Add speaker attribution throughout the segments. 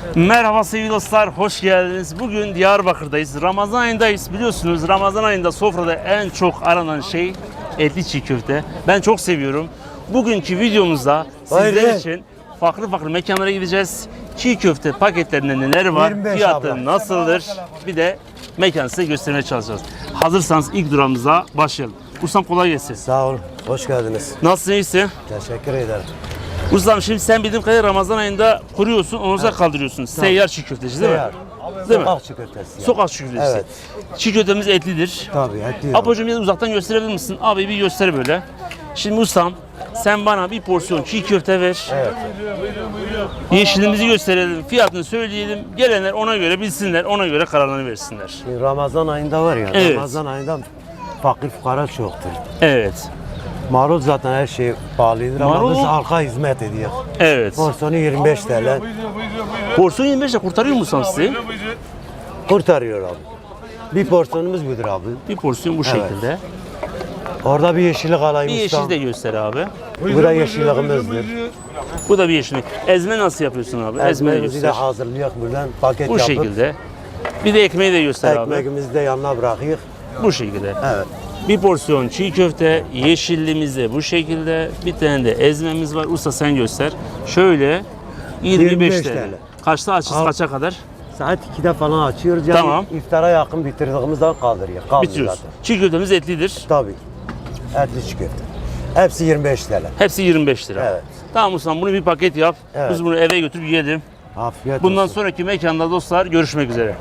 Speaker 1: Merhaba sevgili dostlar, hoş geldiniz. Bugün Diyarbakır'dayız. Ramazan ayındayız. Biliyorsunuz Ramazan ayında sofrada en çok aranan şey etli çiğ köfte. Ben çok seviyorum. Bugünkü videomuzda sizler için farklı mekanlara gideceğiz. Çiğ köfte paketlerinde neler var, fiyatı nasıldır, bir de mekanı size göstermeye çalışacağız. Hazırsanız ilk durağımıza başlayalım. Ustam kolay gelsin.
Speaker 2: Sağ olun, hoş geldiniz.
Speaker 1: Nasılsın, iyisin?
Speaker 2: Teşekkür ederim.
Speaker 1: Ustam şimdi sen bildiğim kadarıyla Ramazan ayında kuruyorsun, onu kaldırıyorsun. Seyyar çiğ köfteci değil mi? Değil mi?
Speaker 2: Sokak çiğ köftesi.
Speaker 1: Sokak çiğ köftesi.
Speaker 2: Evet.
Speaker 1: Çiğ köftemiz etlidir.
Speaker 2: Tabii, etli.
Speaker 1: Apocuğum biraz uzaktan gösterebilir misin? Abi bir göster böyle. Şimdi ustam sen bana bir porsiyon çiğ köfte ver.
Speaker 2: Evet.
Speaker 1: Yeşilimizi gösterelim, fiyatını söyleyelim. Gelenler ona göre bilsinler, ona göre kararlarını versinler.
Speaker 2: Şimdi Ramazan ayında var ya,
Speaker 1: Evet.
Speaker 2: Ramazan ayında fakir fukara çoktur.
Speaker 1: Evet.
Speaker 2: Marul zaten her şey pahalıdır ama
Speaker 1: Marul-
Speaker 2: biz halka hizmet ediyor.
Speaker 1: Evet.
Speaker 2: Porsiyonu 25 TL
Speaker 1: Porsiyon 25 lira kurtarıyor mu ustam sizi?
Speaker 2: kurtarıyor abi. Bir porsiyonumuz budur abi.
Speaker 1: Bir porsiyon bu şekilde.
Speaker 2: Orada bir yeşillik alayım
Speaker 1: Bir
Speaker 2: ustam.
Speaker 1: yeşil de göster abi.
Speaker 2: Bu da yeşilliğimizdir.
Speaker 1: Bu da bir yeşillik. Ezme nasıl yapıyorsun abi? Ezme de
Speaker 2: Ezmeğimizi de
Speaker 1: göster.
Speaker 2: hazırlıyor buradan paket
Speaker 1: Bu
Speaker 2: yapıp
Speaker 1: şekilde. Bir de ekmeği de göster abi.
Speaker 2: ekmeğimizi de yanına bırakıyor.
Speaker 1: Bu şekilde.
Speaker 2: Evet.
Speaker 1: Bir porsiyon çiğ köfte, yeşillimiz de bu şekilde. Bir tane de ezmemiz var. Usta sen göster. Şöyle 25 TL.
Speaker 2: TL.
Speaker 1: Kaçta açız,
Speaker 2: Al.
Speaker 1: kaça kadar?
Speaker 2: Saat 2'de falan açıyoruz. Yani
Speaker 1: Tamam.
Speaker 2: iftara yakın bitirdiğimizden kaldırıyor. Kalmıyor
Speaker 1: Bitiriyoruz.
Speaker 2: zaten.
Speaker 1: Çiğ köftemiz etlidir.
Speaker 2: Tabii. Etli çiğ köfte. Hepsi 25 TL.
Speaker 1: Hepsi 25 lira.
Speaker 2: Evet.
Speaker 1: Tamam ustam, bunu bir paket yap.
Speaker 2: Evet.
Speaker 1: Biz bunu eve götürüp yiyelim.
Speaker 2: Afiyet
Speaker 1: Bundan
Speaker 2: olsun.
Speaker 1: sonraki mekanda dostlar görüşmek üzere.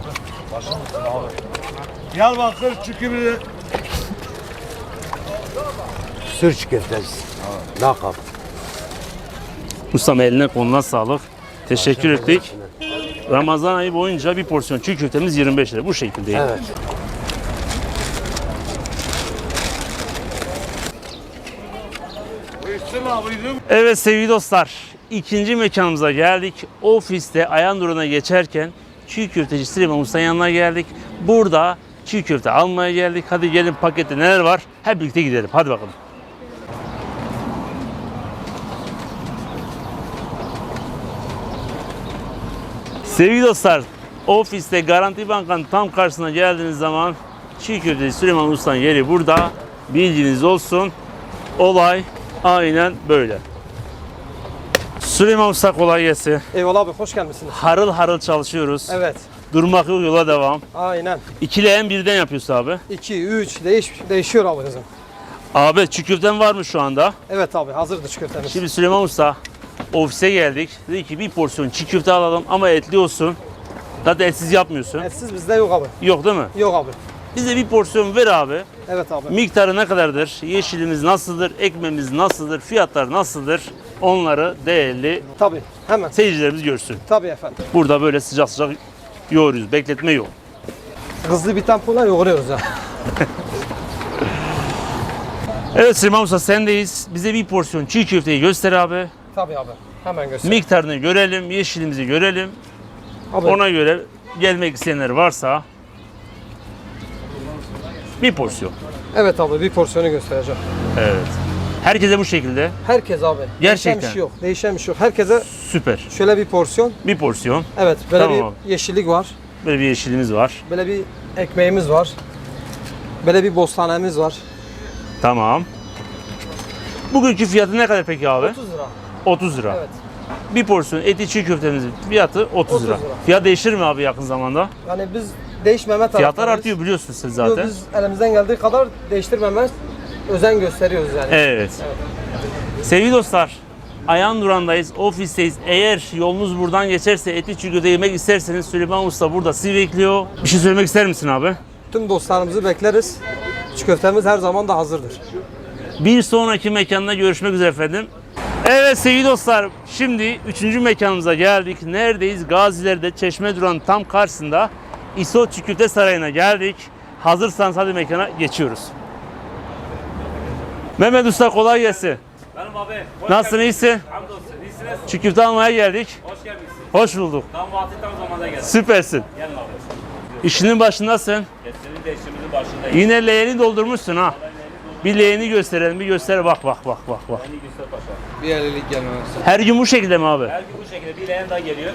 Speaker 3: Diyarbakır Çükürü.
Speaker 2: Sür çiğ köftesi. Lakap.
Speaker 1: Ustam eline koluna sağlık. Teşekkür ettik. Ramazan ayı boyunca bir porsiyon çiğ köftemiz 25 lira. Bu şekilde.
Speaker 2: Evet.
Speaker 1: Evet sevgili dostlar, ikinci mekanımıza geldik. Ofiste Ayandura'na geçerken çiğ köfteci Süleyman Usta'nın yanına geldik. Burada çiğ köfte almaya geldik. Hadi gelin pakette neler var hep birlikte gidelim. Hadi bakalım. Sevgili dostlar, ofiste Garanti Banka'nın tam karşısına geldiğiniz zaman çiğ köfteci Süleyman Usta'nın yeri burada. Bilginiz olsun. Olay aynen böyle. Süleyman Usta kolay gelsin.
Speaker 4: Eyvallah abi, hoş gelmişsiniz.
Speaker 1: Harıl harıl çalışıyoruz.
Speaker 4: Evet,
Speaker 1: Durmak yok, yola devam.
Speaker 4: aynen.
Speaker 1: İkili en birden yapıyorsun abi.
Speaker 4: 2, 3 değişiyor abi kızım.
Speaker 1: Abi çiğ köften var mı şu anda?
Speaker 4: Evet abi, hazırdır çiğ köftemiz.
Speaker 1: Şimdi Süleyman Usta ofise geldik. Dedi ki bir porsiyon çiğ köfte alalım ama etli olsun. Zaten etsiz yapmıyorsun.
Speaker 4: Etsiz bizde yok abi.
Speaker 1: Yok değil mi?
Speaker 4: Yok abi.
Speaker 1: Bize bir porsiyon ver abi.
Speaker 4: Evet abi.
Speaker 1: Miktarı ne kadardır? Yeşilimiz nasıldır? Ekmeğimiz nasıldır? Fiyatlar nasıldır? Onları değerli
Speaker 4: Tabii, hemen.
Speaker 1: seyircilerimiz görsün.
Speaker 4: Tabii efendim.
Speaker 1: Burada böyle sıcak sıcak yoğuruyoruz. Bekletme yok.
Speaker 4: Hızlı bir tempoyla yoğuruyoruz ya.
Speaker 1: Evet Süleyman Usta sendeyiz. Bize bir porsiyon çiğ köfteyi göster abi.
Speaker 4: Tabii abi, hemen göster.
Speaker 1: Miktarını görelim, yeşilimizi görelim.
Speaker 4: Abi,
Speaker 1: Ona göre gelmek isteyenler varsa bir porsiyon.
Speaker 4: evet abi, bir porsiyonu göstereceğim.
Speaker 1: Evet. Herkese bu şekilde.
Speaker 4: Herkes abi.
Speaker 1: Gerçekten.
Speaker 4: Değişen bir şey yok. Değişen bir şey yok. Herkese
Speaker 1: Süper.
Speaker 4: şöyle bir porsiyon.
Speaker 1: Bir porsiyon.
Speaker 4: Evet, böyle
Speaker 1: Tamam
Speaker 4: bir
Speaker 1: abi.
Speaker 4: yeşillik var.
Speaker 1: Böyle bir yeşilimiz var.
Speaker 4: Böyle bir ekmeğimiz var. Böyle bir bostanemiz var.
Speaker 1: Tamam. Bugünkü fiyatı ne kadar peki abi?
Speaker 4: 30 lira.
Speaker 1: 30 lira.
Speaker 4: Evet.
Speaker 1: Bir porsiyon eti çiğ köftemizin fiyatı 30 lira.
Speaker 4: 30 lira.
Speaker 1: Fiyat değişir mi abi yakın zamanda?
Speaker 4: Yani biz değişmeme
Speaker 1: Fiyatlar
Speaker 4: taraftarıyız.
Speaker 1: artıyor biliyorsunuz siz
Speaker 4: Yok,
Speaker 1: zaten.
Speaker 4: biz elimizden geldiği kadar değiştirmemez, özen gösteriyoruz yani.
Speaker 1: Evet. Sevgili dostlar, Ayandura'ndayız, ofisteyiz. Eğer yolunuz buradan geçerse etli çiğ köfte yemek isterseniz Süleyman Usta burada sizi bekliyor. Bir şey söylemek ister misin abi?
Speaker 4: Tüm dostlarımızı bekleriz. Çiğ köftemiz her zaman da hazırdır.
Speaker 1: Bir sonraki mekanda görüşmek üzere efendim. Evet sevgili dostlar, şimdi 3. mekanımıza geldik. Neredeyiz? Gaziler'de Çeşme Duran tam karşısında İso Çiğ Köfte Sarayı'na geldik. Hazırsanız hadi mekana geçiyoruz. Mehmet Usta kolay gelsin.
Speaker 5: Benim abi.
Speaker 1: Nasılsın, iyisin?
Speaker 5: Hamdolsun. İyisiniz.
Speaker 1: Çiğ köfte almaya geldik.
Speaker 5: Hoş gelmişsiniz.
Speaker 1: Hoş bulduk.
Speaker 5: Tam vakti tam zamanda geldim.
Speaker 1: Süpersin.
Speaker 5: Gelin abi.
Speaker 1: İşinin başındasın.
Speaker 5: Senin de işimizin başındayım.
Speaker 1: Yine leğeni doldurmuşsun ha. Bir leğeni gösterelim. Bir göster. Bak.
Speaker 5: Beni Güzel Paşa.
Speaker 4: Bir elilik gelmemesi.
Speaker 1: Her gün bu şekilde mi abi?
Speaker 5: Her gün bu şekilde bir leğen daha geliyor.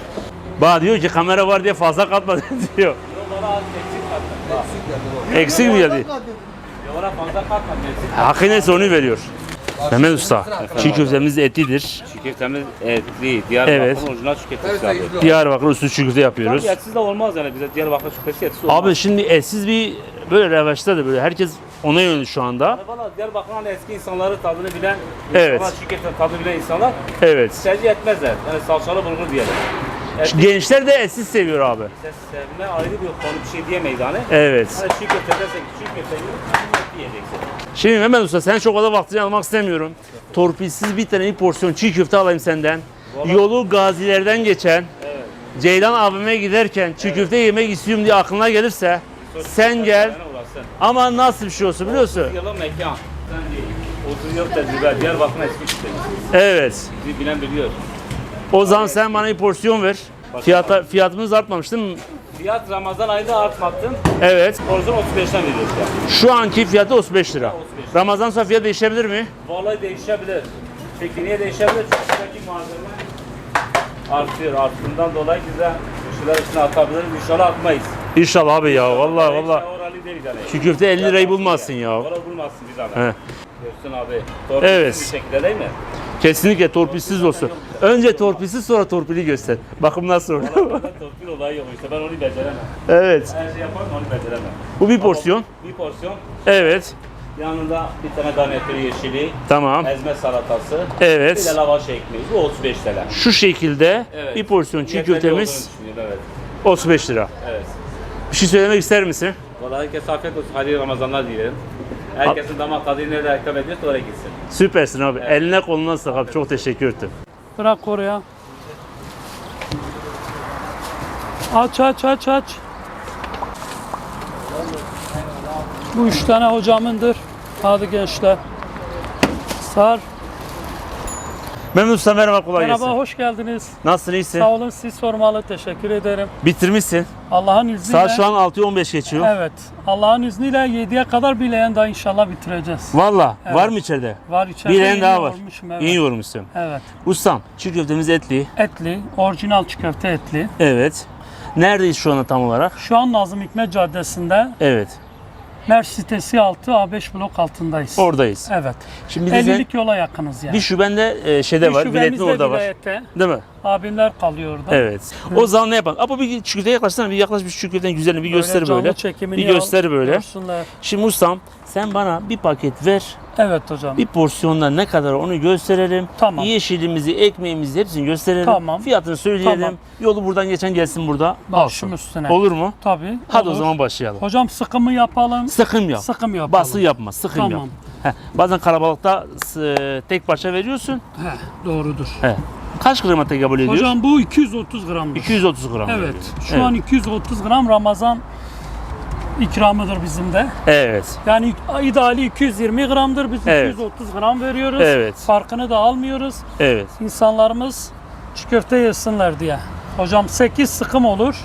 Speaker 1: Bana diyor ki kamera var diye fazla katma diyor.
Speaker 5: Yok bana az eksik kattın.
Speaker 1: Eksik mi geldi?
Speaker 5: Yok bana fazla katma. Eksik.
Speaker 1: Hakkı neyse onu veriyor. Mehmet Usta, çiğ köftemiz etlidir.
Speaker 5: Çiğ köftemiz etli. Diyarbakır'ın
Speaker 1: Evet.
Speaker 5: orijinal çiğ köftesi abi.
Speaker 1: Diyarbakır usulü çiğ köfte yapıyoruz.
Speaker 5: Tabii etsiz de olmaz yani bize Diyarbakır çiğ köftesi etsiz olmaz.
Speaker 1: Abi şimdi etsiz bir böyle revaçta da böyle herkes ona yönlü şu anda.
Speaker 5: Valla Diyarbakır'ın hani eski insanları tadını bilen,
Speaker 1: Evet.
Speaker 5: insanlar çiğ köfte tadını bilen insanlar
Speaker 1: Evet.
Speaker 5: tercih etmezler. Yani salçalı bulgur diyelim. Etli
Speaker 1: Gençler de etsiz seviyor abi.
Speaker 5: sevme ayrı bir konu, bir şey diyemeyiz hani.
Speaker 1: Evet.
Speaker 5: Hani çiğ köfte desek çiğ köfte yiyeceksin.
Speaker 1: Şimdi Mehmet Usta sen çok fazla vaktini almak istemiyorum. Torpilsiz bir tane bir porsiyon çiğ köfte alayım senden. Yolu gazilerden geçen, Ceylan abime giderken çiğ köfte yemek istiyorum diye aklına gelirse sen gel. Ama nasıl bir şey olsun biliyorsun?
Speaker 5: 30 yılın mekan. Sen değil. 30 yıl tecrübe. Diyarbakır'ın eski köftesi.
Speaker 1: Evet.
Speaker 5: Bizi bilen biliyor.
Speaker 1: O zaman sen bana bir porsiyon ver. Fiyatımız artmamış değil mi?
Speaker 5: Fiyat Ramazan ayında artmattın.
Speaker 1: Evet.
Speaker 5: Porsiyon 35'ten veriyoruz ya.
Speaker 1: Şu anki fiyatı 35 lira.
Speaker 5: 35.
Speaker 1: Ramazan sonra fiyat değişebilir mi?
Speaker 5: Vallahi değişebilir. Peki niye değişebilir? Çünkü buradaki malzeme artıyor. Arttığından dolayı bize kişiler üstüne atabiliriz. İnşallah atmayız.
Speaker 1: İnşallah abi ya. Vallahi vallahi.
Speaker 5: Oralı değil yani.
Speaker 1: Şu köfte 50 lirayı bulmazsın ya.
Speaker 5: Oralı bulmazsın biz adam.
Speaker 1: He.
Speaker 5: Görsün abi. Torpilsiz
Speaker 1: Evet.
Speaker 5: bir şekilde değil mi?
Speaker 1: Kesinlikle torpilsiz olsun. Önce torpilsiz sonra torpili göster. Bakın nasıl oldu.
Speaker 5: Valla torpil olayı yok işte ben onu beceremem.
Speaker 1: Evet.
Speaker 5: Her şey yaparım onu beceremem.
Speaker 1: Bu bir porsiyon.
Speaker 5: Bir porsiyon.
Speaker 1: Evet.
Speaker 5: Yanında bir tane garnitür yeşili,
Speaker 1: Tamam.
Speaker 5: ezme salatası, bir
Speaker 1: Evet.
Speaker 5: de lavaş ekmeği. Bu 35 TL.
Speaker 1: Şu şekilde
Speaker 5: Evet.
Speaker 1: bir porsiyon çiğ
Speaker 5: Yeterli
Speaker 1: köftemiz
Speaker 5: olduğunu düşünüyorum, evet.
Speaker 1: 35 lira.
Speaker 5: Evet.
Speaker 1: Bir şey söylemek ister misin?
Speaker 5: Vallahi herkese afiyet olsun. Hayırlı Ramazanlar dilerim. Herkesin damak tadını nerede hitap ediyorsa oraya gitsin.
Speaker 1: Süpersin abi. Eline koluna sağlık abi. Çok teşekkür ederim.
Speaker 6: Bırak oraya. Aç aç aç aç. Bu 3 tane hocamındır. Hadi gençler. Sar.
Speaker 1: Mehmet Usta merhaba, kolay
Speaker 6: Merhaba,
Speaker 1: gelsin.
Speaker 6: hoş geldiniz.
Speaker 1: Nasılsın, iyisin?
Speaker 6: Sağ olun, siz sormalı. Teşekkür ederim.
Speaker 1: Bitirmişsin.
Speaker 6: Allah'ın izniyle.
Speaker 1: Saat şu an 6:15 geçiyor.
Speaker 6: Evet. Allah'ın izniyle 7'ye kadar bileyen daha inşallah bitireceğiz.
Speaker 1: Valla
Speaker 6: Evet.
Speaker 1: var mı içeride?
Speaker 6: Var içeride.
Speaker 1: Bir leğen
Speaker 6: yeni
Speaker 1: daha var.
Speaker 6: yoğurmuşum, evet.
Speaker 1: İyi yoğurmuşsun.
Speaker 6: Evet.
Speaker 1: Ustam, çiğ köftemiz etli.
Speaker 6: Etli, orijinal çiğ köfte etli.
Speaker 1: Evet. Neredeyiz şu anda tam olarak?
Speaker 6: Şu an Nazım Hikmet Caddesi'nde
Speaker 1: Evet.
Speaker 6: Mer sitesi 6 A5 blok altındayız.
Speaker 1: Oradayız.
Speaker 6: Evet.
Speaker 1: Şimdi bir de sen,
Speaker 6: 50'lik yola yakınız yani.
Speaker 1: bir şeyde şeyde var.
Speaker 6: şubemiz
Speaker 1: Biletli
Speaker 6: de
Speaker 1: orada var.
Speaker 6: vilayette.
Speaker 1: Değil mi?
Speaker 6: Abimler kalıyor orada.
Speaker 1: Evet. O zaman ne yapalım? Ama bir çiğ köfteye yaklaşsana. Bir yaklaş, bir çiğ köftenin güzelini bir göster
Speaker 6: canlı
Speaker 1: böyle.
Speaker 6: çekimini
Speaker 1: Bir göster
Speaker 6: al,
Speaker 1: böyle.
Speaker 6: görsünler.
Speaker 1: Şimdi ustam sen bana bir paket ver.
Speaker 6: Evet hocam.
Speaker 1: Bir porsiyonda ne kadar onu gösterelim.
Speaker 6: Tamam.
Speaker 1: Yeşilimizi, ekmeğimizi hepsini gösterelim.
Speaker 6: Tamam.
Speaker 1: Fiyatını söyleyelim.
Speaker 6: Tamam.
Speaker 1: Yolu buradan geçen gelsin burada.
Speaker 6: Başım
Speaker 1: alsın.
Speaker 6: üstüne.
Speaker 1: Olur mu?
Speaker 6: Tabii.
Speaker 1: Hadi
Speaker 6: olur.
Speaker 1: o zaman başlayalım.
Speaker 6: Hocam sıkımı yapalım.
Speaker 1: Sıkım yap.
Speaker 6: Sıkım yapalım.
Speaker 1: Bası yapma, sıkım
Speaker 6: Tamam.
Speaker 1: yap. Heh, bazen kalabalıkta tek parça veriyorsun.
Speaker 6: Heh, doğrudur.
Speaker 1: He. Kaç grama tekabül ediyor?
Speaker 6: Hocam bu 230 gramdır.
Speaker 1: 230 gram.
Speaker 6: Evet.
Speaker 1: veriyor.
Speaker 6: Şu
Speaker 1: Evet.
Speaker 6: an 230 gram Ramazan ikramıdır bizim de.
Speaker 1: Evet.
Speaker 6: Yani ideali 220 gramdır. Biz
Speaker 1: Evet.
Speaker 6: 230 gram veriyoruz.
Speaker 1: Evet.
Speaker 6: Farkını da almıyoruz.
Speaker 1: Evet.
Speaker 6: İnsanlarımız çiğ köfte yesinler diye. Hocam 8 sıkım olur.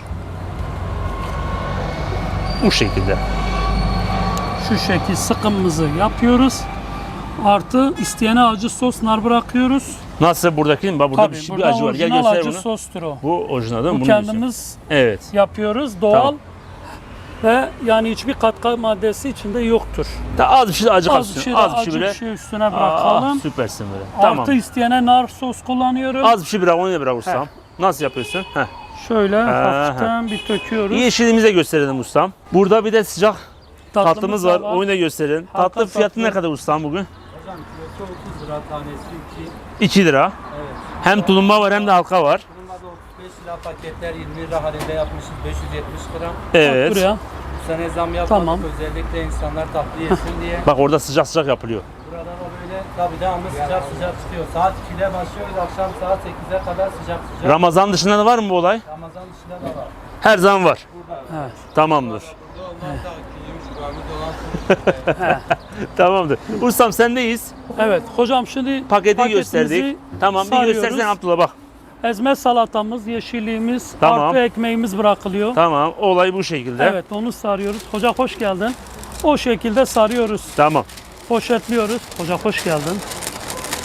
Speaker 1: Bu şekilde.
Speaker 6: Şu şekil sıkımımızı yapıyoruz. Artı isteyene acı sos nar bırakıyoruz.
Speaker 1: Nasıl buradaki? Bak burada
Speaker 6: Tabii
Speaker 1: bir
Speaker 6: burada
Speaker 1: acı var. Gel
Speaker 6: orijinal
Speaker 1: göster
Speaker 6: acı
Speaker 1: bunu.
Speaker 6: sostur o.
Speaker 1: Bu orijinal değil mi?
Speaker 6: Bu
Speaker 1: Bunu diyorsun.
Speaker 6: kendimiz
Speaker 1: Evet.
Speaker 6: yapıyoruz. Doğal
Speaker 1: Tamam.
Speaker 6: ve yani hiçbir katkı maddesi içinde yoktur.
Speaker 1: Az bir şey de acı
Speaker 6: Az
Speaker 1: katsın.
Speaker 6: bir şey,
Speaker 1: Az bir
Speaker 6: acı
Speaker 1: şey bile.
Speaker 6: bir şey üstüne bırakalım.
Speaker 1: Süpersin böyle.
Speaker 6: Artı
Speaker 1: Tamam.
Speaker 6: isteyene nar sos kullanıyorum.
Speaker 1: Az bir şey bırak, onu da bırak ustam. Nasıl yapıyorsun? Heh.
Speaker 6: Şöyle hafiften bir töküyoruz.
Speaker 1: Yeşilimizi de gösterelim ustam. Burada bir de sıcak tatlımız var.
Speaker 6: da
Speaker 1: Onu da gösterin.
Speaker 6: Hakan
Speaker 1: Tatlı fiyatı
Speaker 6: tatlı.
Speaker 1: ne kadar ustam bugün?
Speaker 7: Hocam kilosu 30 lira, tanesi
Speaker 1: 2 lira.
Speaker 7: Evet.
Speaker 1: Hem tulumba var hem de halka var.
Speaker 7: Bunlarda 35 lira paketler 20 lira halinde yapmışız 570 gram.
Speaker 1: Evet.
Speaker 6: Buraya.
Speaker 7: Bu sene zam yapmadık
Speaker 6: Tamam.
Speaker 7: özellikle insanlar tatlı yesin diye.
Speaker 1: Bak orada sıcak sıcak yapılıyor.
Speaker 7: Burada da böyle tabii devamlı sıcak sıcak çıkıyor. Saat 2'de başlıyoruz akşam saat 8'e kadar sıcak sıcak.
Speaker 1: Ramazan dışında da var mı bu olay?
Speaker 7: Ramazan dışında da var.
Speaker 1: Her zaman var.
Speaker 6: Evet.
Speaker 1: Tamamdır.
Speaker 7: Burada olmazsa 2-3 gramı dolan
Speaker 1: Tamamdır. Ustam sendeyiz.
Speaker 6: Evet. Hocam şimdi
Speaker 1: Paketi
Speaker 6: paketimizi
Speaker 1: gösterdik. Tamam bir
Speaker 6: sarıyoruz.
Speaker 1: göstersen Abdullah bak.
Speaker 6: Ezme salatamız, yeşilliğimiz,
Speaker 1: Tamam.
Speaker 6: artı ekmeğimiz bırakılıyor.
Speaker 1: Tamam olay bu şekilde.
Speaker 6: Evet, onu sarıyoruz. Hoca hoş geldin. O şekilde sarıyoruz.
Speaker 1: Tamam.
Speaker 6: Poşetliyoruz. Hoca hoş geldin.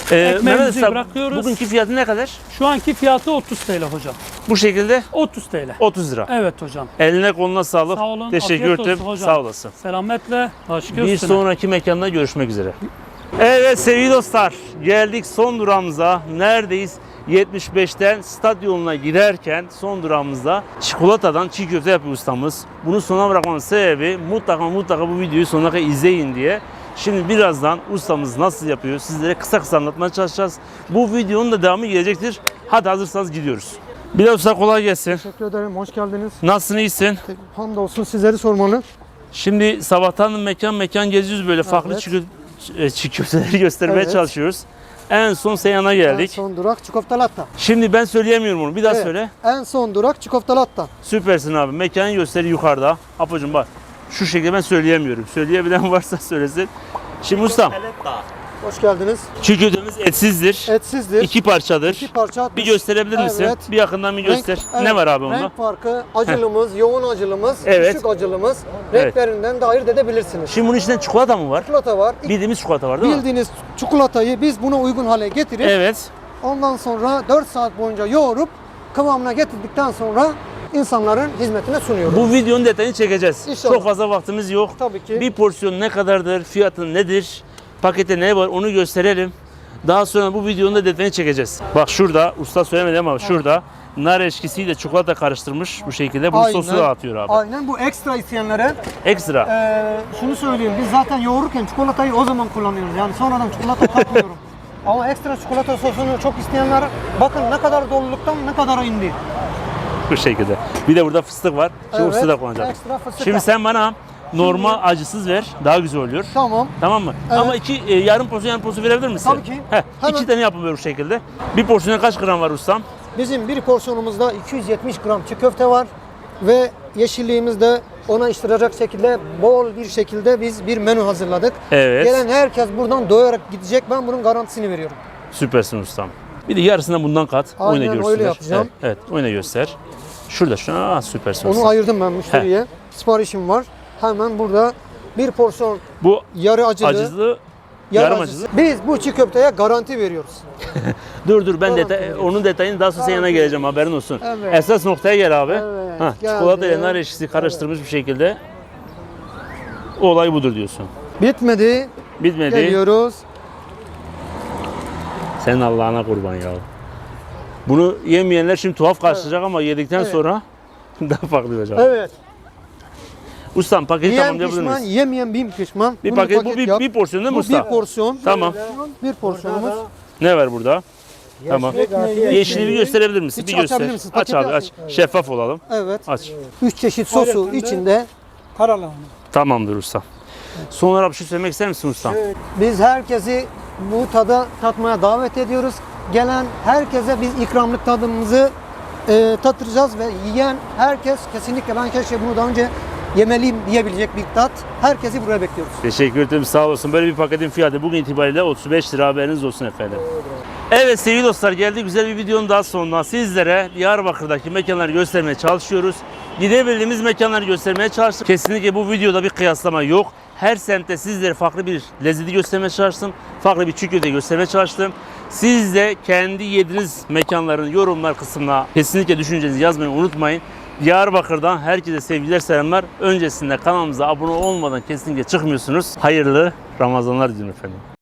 Speaker 1: Mehmet
Speaker 6: Ekmeğimizi
Speaker 1: Usta,
Speaker 6: bırakıyoruz.
Speaker 1: bugünkü fiyatı ne kadar?
Speaker 6: Şu anki fiyatı 30 TL hocam.
Speaker 1: Bu şekilde
Speaker 6: 30 TL.
Speaker 1: 30 lira.
Speaker 6: Evet hocam.
Speaker 1: Eline koluna sağlık.
Speaker 6: Sağ olun.
Speaker 1: Teşekkür
Speaker 6: afiyet
Speaker 1: ederim.
Speaker 6: olsun hocam.
Speaker 1: Sağ olasın.
Speaker 6: Selametle. Başka
Speaker 1: Bir
Speaker 6: üstüne.
Speaker 1: sonraki mekanda görüşmek üzere. Evet sevgili dostlar, geldik son durağımıza. Neredeyiz? 75'ten stat yoluna giderken son durağımızda çikolatadan çiğ köfte yapıyor ustamız. Bunu sona bırakmamın sebebi mutlaka bu videoyu sonuna kadar izleyin diye. Şimdi birazdan ustamız nasıl yapıyor sizlere kısa anlatmaya çalışacağız. Bu videonun da devamı gelecektir. Hadi hazırsanız gidiyoruz. Bilal Usta kolay gelsin.
Speaker 8: Teşekkür ederim. Hoş geldiniz.
Speaker 1: Nasılsın, iyisin?
Speaker 8: Hamdolsun sizleri sormalı.
Speaker 1: Şimdi sabahtan mekan geziyoruz böyle farklı çiğ köfteleri göstermeye
Speaker 8: Evet.
Speaker 1: çalışıyoruz. En son Seyhan'a geldik.
Speaker 8: En son durak Çikoftalatta.
Speaker 1: Şimdi ben söyleyemiyorum onu. Bir daha
Speaker 8: Evet.
Speaker 1: söyle.
Speaker 8: En son durak Çikoftalatta.
Speaker 1: Süpersin abi. Mekanı gösteri yukarıda. Apocuğum bak. Şu şekilde ben söyleyemiyorum. Söyleyebilen varsa söylesin. Şimdi ustam,
Speaker 8: Hoş geldiniz.
Speaker 1: çiğ köftemiz etsizdir.
Speaker 8: Etsizdir.
Speaker 1: İki parçadır.
Speaker 8: İki parça.
Speaker 1: Bir gösterebilir misin?
Speaker 8: Evet.
Speaker 1: Bir yakından bir göster.
Speaker 8: evet,
Speaker 1: Ne var abi onda?
Speaker 8: Renk farkı, acılımız, yoğun acılımız,
Speaker 1: Evet.
Speaker 8: düşük acılımız.
Speaker 1: Evet.
Speaker 8: Renklerinden de ayırt edebilirsiniz.
Speaker 1: Şimdi bunun içinde çikolata mı var?
Speaker 8: Çikolata var.
Speaker 1: Bildiğimiz çikolata var değil mi?
Speaker 8: Bildiğiniz çikolatayı biz buna uygun hale getirip
Speaker 1: Evet.
Speaker 8: ondan sonra 4 saat boyunca yoğurup kıvamına getirdikten sonra insanların hizmetine sunuyoruz.
Speaker 1: Bu videonun detayını çekeceğiz.
Speaker 8: İnşallah.
Speaker 1: Çok fazla vaktimiz yok.
Speaker 8: Tabii ki.
Speaker 1: Bir porsiyon ne kadardır, fiyatı nedir, pakette ne var onu gösterelim. Daha sonra bu videonun da detayını çekeceğiz. Bak şurada, usta söylemedi ama şurada nar eşkisiyle çikolata karıştırmış bu şekilde. Bunu sosu da atıyor abi.
Speaker 8: Aynen, bu ekstra isteyenlere
Speaker 1: Ekstra.
Speaker 8: şunu söyleyeyim, biz zaten yoğururken çikolatayı o zaman kullanıyoruz. Yani sonradan çikolata katmıyorum. Ama ekstra çikolata sosunu çok isteyenler bakın ne kadar doluluktan ne kadar indi.
Speaker 1: Bu şekilde. Bir de burada fıstık var. Şimdi
Speaker 8: Evet,
Speaker 1: fıstık da kullanacağız.
Speaker 8: ekstra fıstık
Speaker 1: Şimdi
Speaker 8: da.
Speaker 1: sen bana normal acısız ver. Daha güzel oluyor.
Speaker 8: Tamam.
Speaker 1: Tamam mı?
Speaker 8: Evet.
Speaker 1: Ama yarım porsiyon verebilir misin?
Speaker 8: Tabii ki.
Speaker 1: Heh,
Speaker 8: Hemen.
Speaker 1: 2 tane yapın bu şekilde. Bir porsiyona kaç gram var ustam?
Speaker 8: Bizim bir porsiyonumuzda 270 gram çiğ köfte var ve yeşilliğimizde ona iştirecek şekilde bol bir şekilde biz bir menü hazırladık.
Speaker 1: Evet.
Speaker 8: Gelen herkes buradan doyarak gidecek. Ben bunun garantisini veriyorum.
Speaker 1: Süpersin ustam. Bir de yarısından bundan kat.
Speaker 8: Aynen,
Speaker 1: Oyna
Speaker 8: öyle
Speaker 1: görsünler.
Speaker 8: yapacağım.
Speaker 1: Evet, oyna göster. Şurada şu an süpersin
Speaker 8: Onu
Speaker 1: ustam.
Speaker 8: ayırdım ben müşteriye. Siparişim var. Hemen burada bir porsiyon
Speaker 1: Bu
Speaker 8: yarı acılı,
Speaker 1: acılı,
Speaker 8: yarı
Speaker 1: yarım
Speaker 8: acısı.
Speaker 1: acılı.
Speaker 8: Biz bu çiğ köfteye garanti veriyoruz.
Speaker 1: Dur ben
Speaker 8: Garanti veriyoruz.
Speaker 1: onun detayını daha sonra yanına geleceğim, haberin olsun.
Speaker 8: Evet.
Speaker 1: Esas noktaya gel abi.
Speaker 8: Evet,
Speaker 1: Hah,
Speaker 8: geldi.
Speaker 1: çikolata ile nar eşkisi karıştırmış bir şekilde. O olay budur diyorsun.
Speaker 8: Bitmedi.
Speaker 1: Bitmedi.
Speaker 8: Geliyoruz.
Speaker 1: Senin Allah'ına kurban ya. Bunu yemeyenler şimdi tuhaf karşılayacak ama yedikten
Speaker 8: Evet.
Speaker 1: sonra daha farklı olacak.
Speaker 8: Evet.
Speaker 1: Ustam paketi
Speaker 8: Yiyen
Speaker 1: tamamlayabilir
Speaker 8: pişman,
Speaker 1: miyiz?
Speaker 8: yemeyen bin pişman.
Speaker 1: Bir
Speaker 8: Bunu
Speaker 1: paket, bu
Speaker 8: paket yap.
Speaker 1: bir porsiyon değil mi
Speaker 8: Bu
Speaker 1: usta?
Speaker 8: bir porsiyon.
Speaker 1: Tamam.
Speaker 8: Bir porsiyonumuz.
Speaker 1: Ne var burada? Tamam. Yeşili bir gösterebilir misin?
Speaker 8: Hiç
Speaker 1: Bir göster.
Speaker 8: açabilir misin?
Speaker 1: Aç
Speaker 8: Paketi
Speaker 1: abi aç. Şeffaf olalım.
Speaker 8: Evet.
Speaker 1: Aç.
Speaker 8: 3 çeşit sosu içinde.
Speaker 7: Karalahana.
Speaker 1: Tamamdır usta. Son olarak bir şey söylemek ister misin usta?
Speaker 8: Biz herkesi bu tada tatmaya davet ediyoruz. Gelen herkese biz ikramlık tadımızı tattıracağız ve yiyen herkes kesinlikle ben keşke bunu daha önce yemeliyim diyebilecek bir tat. Herkesi buraya bekliyoruz.
Speaker 1: Teşekkür ederim, sağ olasın. Böyle bir paketin fiyatı bugün itibariyle 35 lira, haberiniz olsun efendim. Evet sevgili dostlar, geldi güzel bir videonun daha sonuna. Sizlere Diyarbakır'daki mekanları göstermeye çalışıyoruz. Gidebildiğimiz mekanları göstermeye çalıştık. Kesinlikle bu videoda bir kıyaslama yok. Her semtte sizlere farklı bir lezzeti göstermeye çalıştım. Farklı bir çiğ köfte göstermeye çalıştım. Siz de kendi yediğiniz mekanların yorumlar kısmına kesinlikle düşüncenizi yazmayı unutmayın. Diyarbakır'dan herkese sevgiler, selamlar. Öncesinde kanalımıza abone olmadan kesinlikle çıkmıyorsunuz. Hayırlı Ramazanlar diliyorum efendim.